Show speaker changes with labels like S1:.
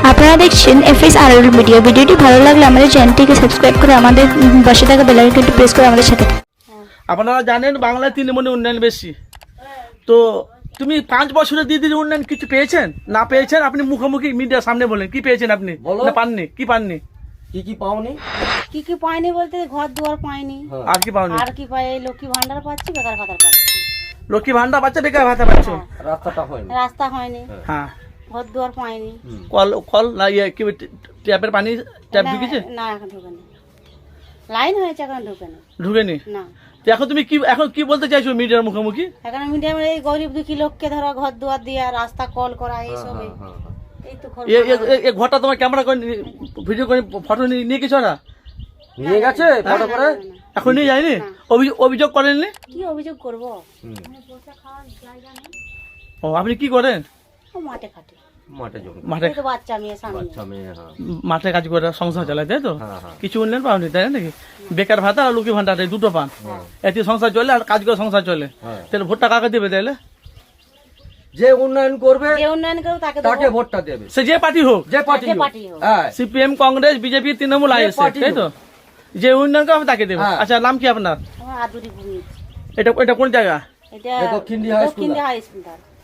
S1: আপনারা দেখছেন FSRL media. ভিডিওটি ভালো লাগলে আমাদের চ্যানেলটিকে সাবস্ক্রাইব করে আমাদের পাশে থাকা বেল আইকনটি প্রেস করে আমাদের সাথে থাকুন।
S2: আপনারা জানেন বাংলায় তৃণমূলের উন্নয়ন বেশি। তো তুমি 5 বছরে দিদির উন্নয়ন কিছু পেয়েছেন? না পেয়েছেন আপনি মুখোমুখি মিডিয়ার সামনে বলেন কি পেয়েছেন আপনি? না পাননি? কি পাননি?
S3: কি পাওনি?
S4: কি পাইনি বলতে ঘর দুয়ার পাইনি।
S2: আর কি পাওনি?
S4: আর কি পাই? লক্ষ্মী ভান্ডার পাচ্ছি, বেকার ভাতা পাচ্ছি।
S2: লক্ষ্মী ভান্ডার বাচ্চা বেকার ভাতা পাচ্ছ?
S3: রাস্তাটা হয়নি।
S4: রাস্তা হয়নি,
S2: হ্যাঁ।
S4: ঘর দুয়ার পাইনি।
S2: কল না ইয়ে কি ট্যাপের পানি ট্যাপ ঢুকেছে?
S4: না এখন ঢুকেনি, লাইন হয়েছে এখন ঢুকেনি।
S2: ঢুকেনি?
S4: না।
S2: তো এখন তুমি কি বলতে চাইছো মিডিয়ার মুখোমুখি?
S4: এখন মিডিয়াম এই গরিব দুঃখী লোককে ধরো ঘর দুয়ার দিয়া রাস্তা কল করা এইসব এই তো
S2: এই ঘরটা তোমার ক্যামেরা করে ভিডিও করে ফটো নিয়ে কিছু না
S3: নিয়ে গেছে ফটো করে?
S2: এখন নিয়ে যায়নি? অভিযোগ করেননি?
S4: কি অভিযোগ করবো?
S2: ও আপনি কি করেন?
S4: ও মাঠে খাটে,
S3: মাঠে জমি,
S2: মাঠে
S4: এই তো বাচ্চা মেয়ে সামনে।
S3: বাচ্চা মেয়ে। হ্যাঁ
S2: মাঠে কাজ করে সংসার চালায়, তাই তো?
S3: হ্যাঁ, হ্যাঁ।
S2: কিছু উন্নয়ন পাওনি তাই নাকি? বেকার ভাতা আর লক্ষ্মী ভান্ডার এই দুটো পান, এতে সংসার চলে আর কাজ করে সংসার চলে।
S3: হ্যাঁ।
S2: তাহলে ভোটটা কাকে দেবে তাহলে?
S3: যে উন্নয়ন করবে
S4: যে উন্নয়ন করবো তাকে
S3: তাকে ভোটটা দেবে,
S2: সে যে পার্টি হোক,
S3: যে পার্টি
S4: যে পার্টি হোক।
S3: হ্যাঁ
S2: CPM, Congress, BJP, Trinamool, ISF,
S3: party
S2: তাই তো? যে উন্নয়ন করবে তাকে দেবে।
S3: হ্যাঁ।
S2: আচ্ছা, নাম কি আপনার?
S4: আমার আদুরি ভূমি।
S2: এটা কোন জায়গা?
S4: এটা
S3: দক্ষিণ দিহা হাই স্কুল।
S4: দক্ষিণ দিহা হাই স্কুল।